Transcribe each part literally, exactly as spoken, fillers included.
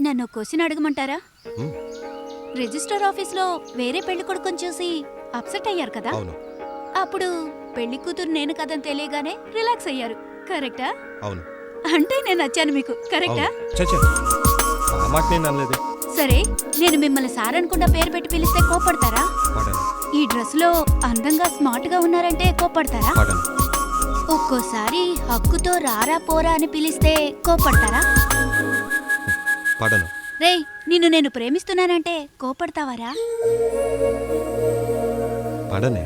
నన్ను క్వశ్చన్ అడగమంటారా? హ్మ్. రిజిస్టర్ ఆఫీస్లో వేరే పెళ్లి కొడుకుని చూసి అప్సెట్ అయ్యారు కదా? అవును అప్పుడు పెళ్లి కూతురు నేను కదని తెలియగానే రిలాక్స్ అయ్యారు, కరెక్టా? అవును అంటే నేను నచ్చాను మీకు, కరెక్టా? అవును చచ్చా ఆ మాట నేను అనలేదు. సరే, నేను మిమ్మల్ని సార్ అనుకుండా పేరు పెట్టి పిలిస్తే కోపడతారా? పడను ఈ డ్రెస్ లో అందంగా స్మార్ట్ గా ఉన్నారంటే కోపడతారా? పడను ఒక్కోసారి హక్కుతో రారా పోరా అని పిలిస్తే కోపడతారా? పడను రేయ్, నిన్ను నేను ప్రేమిస్తున్నానంటే కోపడతావారా? పడనే.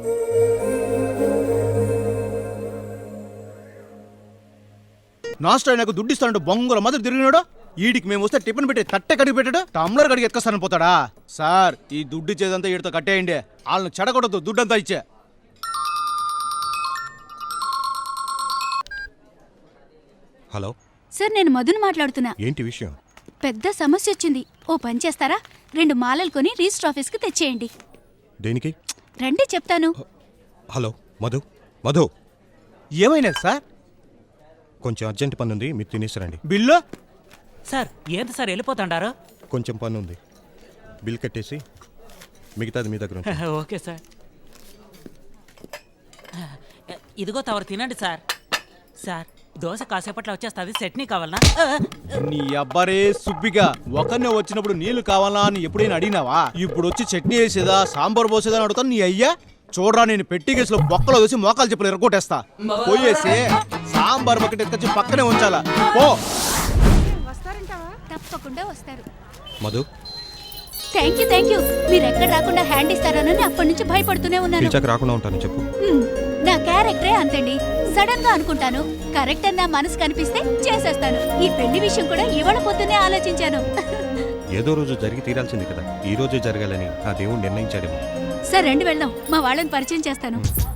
నాస్ట్ ఆయనకు దుడ్డిస్తానంటూ బొంగుల మొదలు తిరిగినాడు. ఈడికి మేము వస్తే టిఫిన్ పెట్టి తట్టె కడిగి పెట్టాడు, టమ్లర్ కడిగి ఎత్తుకొస్తాను పోతాడా? సార్, ఈ దుడ్డు ఇచ్చేదంతా ఈడితో కట్టేయండి. వాళ్ళని చెడగొడద్దు, దుడ్డంతా ఇచ్చే. హలో సార్, నేను మధుని మాట్లాడుతున్నా. ఏంటి విషయం? పెద్ద సమస్య వచ్చింది. ఓ పని చేస్తారా? రెండు మాలలు కొని రిజిస్టర్ ఆఫీస్కి తెచ్చేయండి. దేనికి? రండి చెప్తాను. హలో మధు మధు ఏమైనా సార్? కొంచెం అర్జెంట్ పని ఉంది, మీరు తినేసిరండి. బిల్లు సార్ ఏంటి సార్ వెళ్ళిపోతాండారు? కొంచెం పని ఉంది, బిల్ కట్టేసి మిగతాది మీ దగ్గర ఉంచండి. Okay sir. ఇదిగో తవరు తినండి సార్. సార్, దోశ కాసేపట్లో వచ్చేస్తుంది, చట్నీ కావాలనా? నీ అబ్బరే సుబ్బిగా, ఒకరినే వచ్చినప్పుడు నీళ్లు కావాలా అని ఎప్పుడైనా అడిగినావా? ఇప్పుడు వచ్చి చట్నీ వేసేదా సాంబార్ పోసేదా అని అడుగుతాను. నీ అయ్యా చూడరా, నేను పెట్టి కేసులో బొక్కలో వేసి మోకాలు చెప్పులు ఎరగొట్టేస్తా. పోయేసి సాంబార్ బకెట్ ఎత్తుకొచ్చి పక్కనే ఉంచాలా. పో. తప్పకుండా వస్తారు. Madhu thank you thank you మీరు ఎక్కడ రాకుండా హ్యాండ్ ఇస్తారనని అప్పటి నుంచి భయపడుతూనే ఉన్నాను. పిలిచాక రాకుండా ఉంటాను చెప్పు. హ్మ్, నా క్యారెక్టరే అంతండి. సడన్ గా అనుకుంటాను, కరెక్ట్ అని నా మనసు కనిపిస్తే చేసేస్తాను. ఈ పెళ్లి విషయం కూడా ఇవాళ పొద్దున్నే ఆలోచించాను. ఏదో రోజు జరిగి తీరాల్సింది కదా, ఈ రోజు జరగాలని ఆ దేవుడు నిర్ణయించాడేమో. సరే రండి వెళ్దాం, మా వాళ్ళని పరిచయం చేస్తాను.